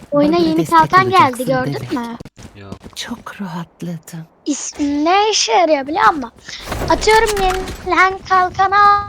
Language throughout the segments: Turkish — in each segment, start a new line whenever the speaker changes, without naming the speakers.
Oyuna
Bana
yeni
destek
kalkan geldi,
olacaksın
gördün
demek.
mü?
Yok.
Çok rahatladım.
Ne işe yarıyor biliyor musun? Atıyorum yenilen kalkanı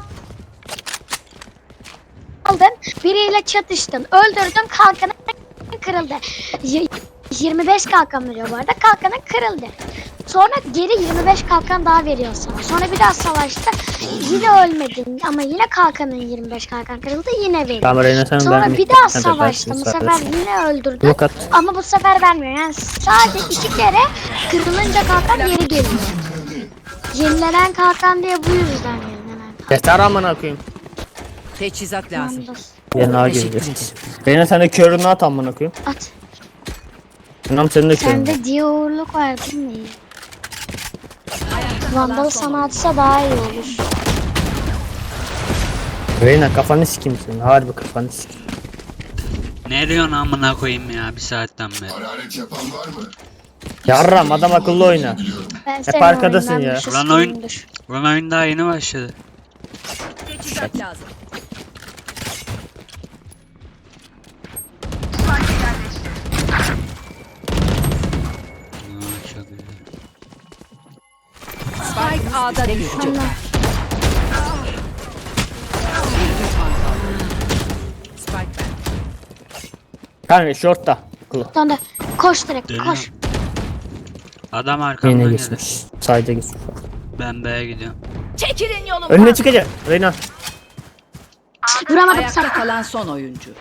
aldın, biriyle çatıştın, öldürdün, kalkanın kırıldı. 25 kalkan veriyor bu arada, kalkanın kırıldı. Sonra geri 25 kalkan daha veriyor sana. Sonra bir daha savaşta yine ölmedin ama yine kalkanın 25 kalkan kırıldı, yine veriyor.
Tamam Reyna sen
Sonra
verme.
bir daha
Hadi
savaşta
ben
bu
sana
sefer
versin.
yine öldürdün
Blok at.
ama bu sefer vermiyor. Yani sadece 2 kere kırılınca kalkan geri geliyor. Yenilenen kalkan diye bu yüzden yenilenen kalkan.
Yeter amına koyayım.
Teçhizat lazım.
Yerine A
Teşekkür
gireceğiz. Reyna sen de körünü at amına koyayım.
At.
İnan senin de körün. var.
Sende diye uğurluk var değil mi? Vandal sana atsa daha iyi olur.
Reyna kafanı sikeyim senin. Harbi kafanı sikeyim.
Ne diyorsun amına koyayım ya bir saatten beri.
Yarram adam akıllı oyna.
Ben senin
arkadasın
oyundan
ya.
bir şey
Ulan oyun-
sikeyimdir.
Ulan oyun daha yeni başladı.
Teçhizat lazım.
Aa, çok güzel.
Spike A'da düştü.
Allah.
Spike ben.
Kanka shortta. Kılı.
Sonra koş direkt
Dönüyorum.
koş.
Adam arkamdan
Yine
geldi.
geçmiş. Sayda geçmiş.
Ben B'ye gidiyorum.
Çekilin yolumdan.
Önüne çıkacak. Reyna.
Vuramadım
Ayakta
sana.
kalan son oyuncu.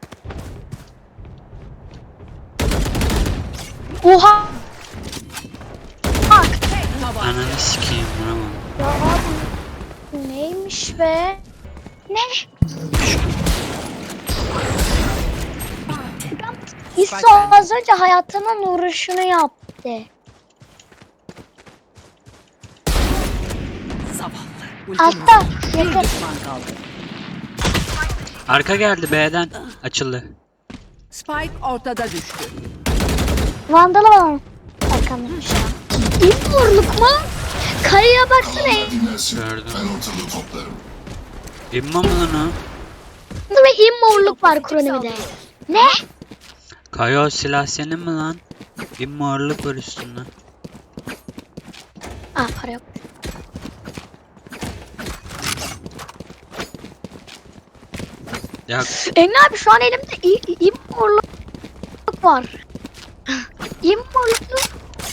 Oha. Bak.
Ananı sikeyim vuramam.
Ya bu neymiş be? Ne? İso az önce hayatının uğraşını yaptı.
Zavallı. Ultim
Altta
bir
yakın.
düşman kaldı.
Arka geldi B'den. Açıldı.
Spike ortada düştü.
Vandalı var. Arkamdaymış ya. İmorluk mu? Kayaya baksana.
Gördüm. İmmo mu lan o?
Ve immorluk var kronomide. Ne?
Kayo silah senin mi lan? İmmorluk var üstünde.
Aa para yok.
Ya
Engin abi şu an elimde immorluk var. İmmorluk.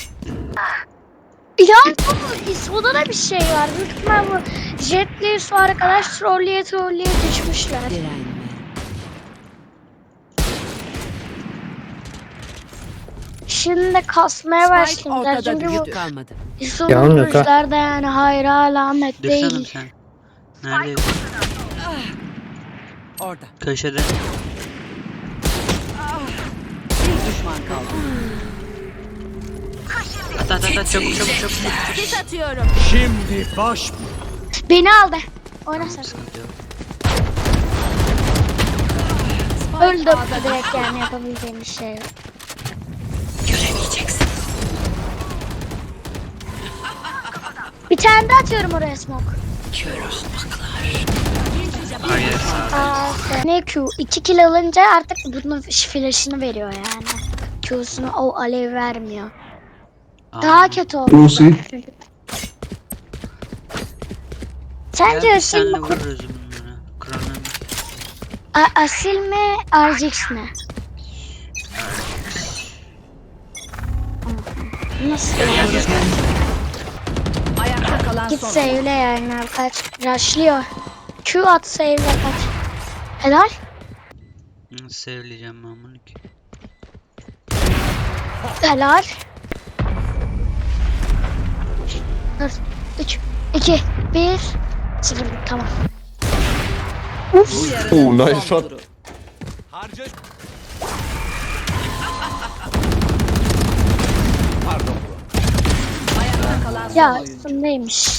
Ya bu İso'da da bir şey var. Büyük ihtimal bu Jet'li su arkadaş trolleye düşmüşler.
Direnme.
Şimdi de kasmaya
Spike
başladılar.
ortada
Çünkü bu
düştü. Kalmadı.
İso'nun
Yalan yok ha.
vuruşlar da yani hayra alamet
düşsene
değil.
sen. Neredeydin?
Orada.
Köşede.
Bir düşman kaldı.
At çabuk.
Sis atıyorum.
Beni aldı. Oyna sen.
Sıkıntı yok.
Öldüm. Direkt yani yapabileceğim bir şey yok.
Göremeyeceksin.
Bir tane daha atıyorum oraya smoke.
Kör ahmaklar.
Hayır sağda.
Ne Q? 2 kill alınca artık bunun flash'ını veriyor yani. Q'sunu o alev vermiyor. Daha kötü oldu.
Lucy.
Sence asil
senle
mi?
vururuz bunları. Kronomi.
Asil mi? RGX mi? Nasıl?
Ayakta kalan
Git
son.
save'le yani kaç. Rushlıyor. Q at save'le kaç. Helal.
Nasıl sevleyeceğim ben bunu ki?
Helal. 4, 3, 2, 1, 0. Tamam. Uf.
Oh, nice shot.
Ayakta kalan son
Ya
oyuncu.
üstündeymiş.